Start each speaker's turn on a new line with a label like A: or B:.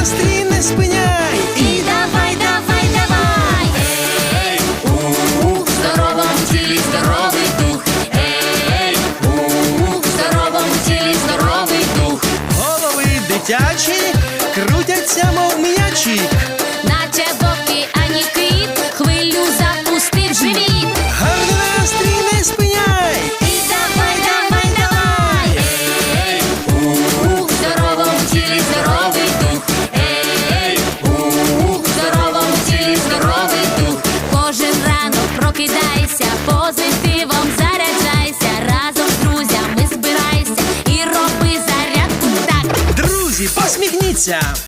A: настрій не спиняй.
B: І давай, давай, давай. Ей, в здоровому тілі здоровий дух. Ей, в здоровому тілі здоровий дух.
A: Голови дитячі крутяться, мов м'ячі.
B: Наче вовки, ані кит, хвилю запустив живіт.
A: Гарний настрій не спиняй.
B: І давай, давай, давай. Ей, в здоровому тілі здоровий дух. Ей, в здоровому тілі здоровий дух. Кожен ранок прокидайся, позитивом заряджайся. Разом з друзями збирайся і роби зарядку так.
A: Друзі, посміхніться.